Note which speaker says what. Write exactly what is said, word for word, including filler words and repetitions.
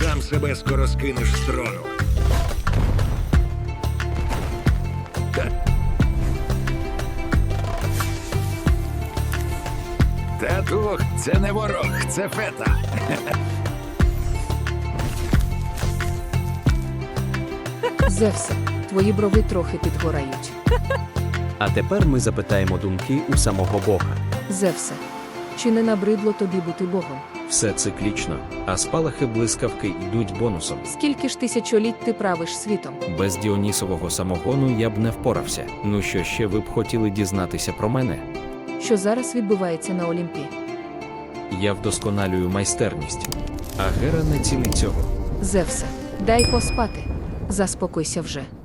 Speaker 1: сам себе скоро скинеш з трону. Та... Татух, це не ворог, це фета.
Speaker 2: Зевсе, твої брови трохи підгорають.
Speaker 3: А тепер ми запитаємо думки у самого Бога.
Speaker 2: Зевсе, чи не набридло тобі бути Богом?
Speaker 3: Все циклічно, а спалахи блискавки йдуть бонусом.
Speaker 2: Скільки ж тисячоліть ти правиш світом?
Speaker 3: Без Діонісового самогону я б не впорався. Ну що ще ви б хотіли дізнатися про мене?
Speaker 2: Що зараз відбувається на Олімпі?
Speaker 3: Я вдосконалюю майстерність. А Гера не цілить цього.
Speaker 2: Зевсе, дай поспати. Заспокойся вже.